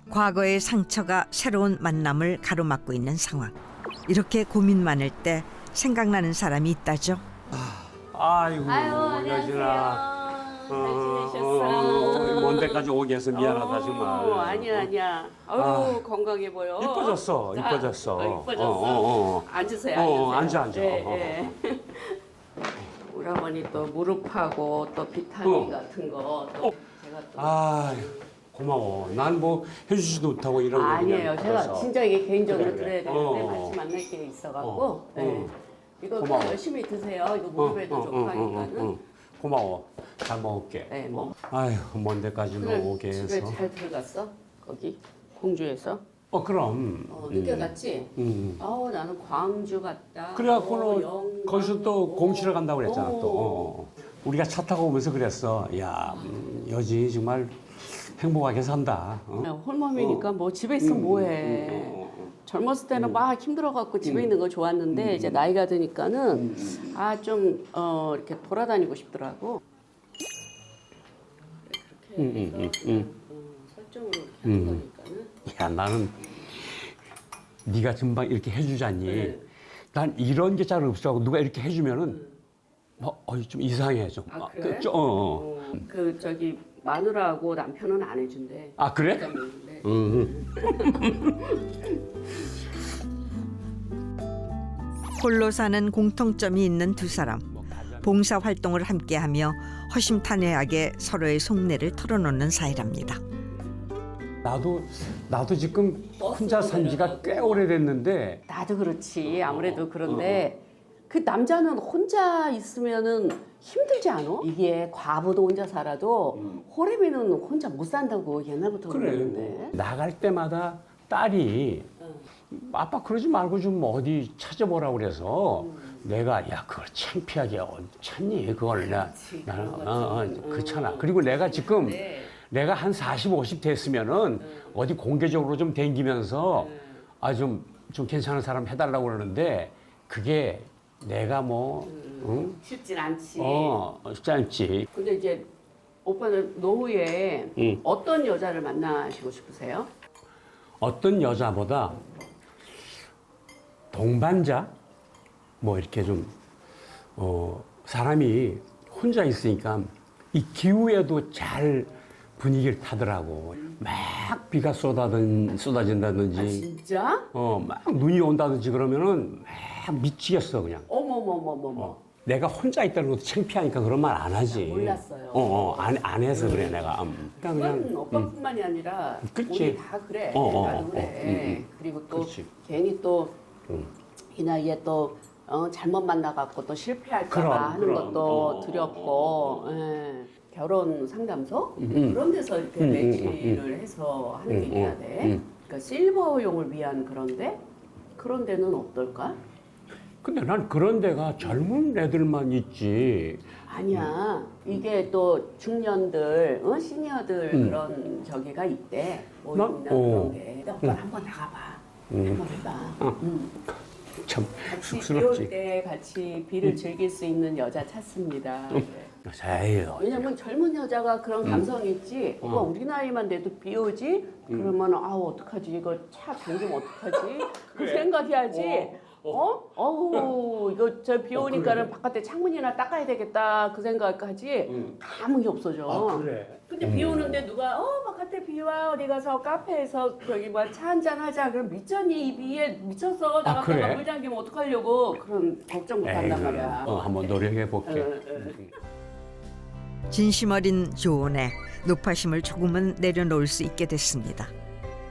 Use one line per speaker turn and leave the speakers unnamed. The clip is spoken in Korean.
과거의 상처가 새로운 만남을 가로막고 있는 상황. 이렇게 고민 많을 때 생각나는 사람이 있다죠.
아이고,
아유,
여진아.
안녕하세요. 잘 지내셨어?
먼 데까지 오게 해서 미안하다, 정말.
아니야. 아유, 건강해 보여.
이뻐졌어.
이뻐졌어. 앉으세요.
앉아.
네. 우리 어머니 또 무릎하고 또 비타민 같은 거 또 제가 또
아, 고마워. 난 뭐 해주지도 못하고 이런 거
아니에요.
그냥
제가
그래서.
진짜 이게 개인적으로
그래.
드려야 되는데
어.
같이 만날 게 있어갖고 네. 이거
고마워.
열심히 드세요. 이거 무릎에도 좋고 하니까는.
고마워. 잘 먹을게.
네, 뭐.
아휴, 먼 데까지 너 오게
집에
해서.
잘 들어갔어? 거기 공주에서?
그럼.
늦게 갔지?
음.
나는 광주 갔다.
그래갖고는
영광.
거기서 또 공치러 간다고 그랬잖아,
어.
또. 우리가 차 타고 오면서 그랬어. 야, 여진이 정말 행복하게 산다.
홀몸이니까 뭐 집에 있으면 뭐해. 젊었을 때는 막 힘들어갖고 집에 있는 거 좋았는데 이제 나이가 드니까는 좀 이렇게 돌아다니고 싶더라고. 그렇게 해서 설정으로 이렇게 하는 거니까는.
야, 나는 네가 금방 이렇게 해주자니.
네.
난 이런 게 잘 없어하고 누가 이렇게 해주면은 좀 이상해 좀.
아, 그래? 그 저기 마누라하고 남편은 안 해준대.
아, 그래?
네.
홀로 사는 공통점이 있는 두 사람. 봉사 활동을 함께하며 허심탄회하게 서로의 속내를 털어놓는 사이랍니다.
나도 지금 혼자 산 지가 꽤 오래됐는데
나도 그렇지. 아무래도 그런데 그 남자는 혼자 있으면은 힘들지 않아? 이게 과부도 혼자 살아도 호래비는 혼자 못 산다고 옛날부터 그러는데.
나갈 때마다 딸이 아빠 그러지 말고 좀 어디 찾아보라고 그래서 내가 야 그걸 창피하게 어디 찾니 그걸 나는 그렇잖아. 그리고 내가 지금 내가 한 40, 50 됐으면은 어디 공개적으로 좀 댕기면서 좀 괜찮은 사람 해달라고 그러는데 그게 내가
쉽진 않지.
쉽지 않지.
근데 이제 오빠는 노후에 어떤 여자를 만나시고 싶으세요?
어떤 여자보다 동반자 뭐 이렇게 좀 사람이 혼자 있으니까 이 기후에도 잘 분위기를 타더라고. 막 비가 쏟아진다든지
진짜?
막 눈이 온다든지 그러면은 막 미치겠어 그냥.
어머머머머머.
내가 혼자 있다는 것도 창피하니까 그런 말 안 하지.
몰랐어요.
안 해서 그래 내가.
그건 오빠뿐만이 아니라
그치.
우리 다 그래. 나도 그래. 그리고 또
그렇지.
괜히 또 이 나이에 또 잘못 만나갖고 또 실패할까봐 하는 것도 두렵고. 결혼 상담소 그런 데서 이렇게 매치를 해서 하는 게 있어야 돼. 그러니까 실버용을 위한 그런 데는 어떨까?
근데 난 그런 데가 젊은 애들만 있지.
아니야. 이게 또 중년들, 시니어들 그런 저기가 있대. 모임이나 그런 게. 근데 오빠 한번 나가봐. 한번 해봐.
참
같이
쑥스럽지.
비올 때 같이 비를 즐길 수 있는 여자 찾습니다.
에이,
왜냐면 젊은 여자가 그런 감성이 있지. 오빠 우리 나이만 돼도 비 오지? 그러면 어떡하지? 이거 차 잠기면 어떡하지? 그 생각해야지. 이거 저 비 오니까는 바깥에 창문이나 닦아야 되겠다. 그 생각하지. 아무 게 없어져.
그래.
근데 비 오는데 누가 바깥에 비 와 어디 가서 카페에서 저기 뭐 차 한잔 하자. 그럼 미쳤니? 이 비에 미쳤어. 나갔다가
그래?
물 잠기면 어떡하려고. 그런 걱정 못 한단 말이야.
한번 노력해 볼게.
진심 어린 조언에 높아심을 조금은 내려놓을 수 있게 됐습니다.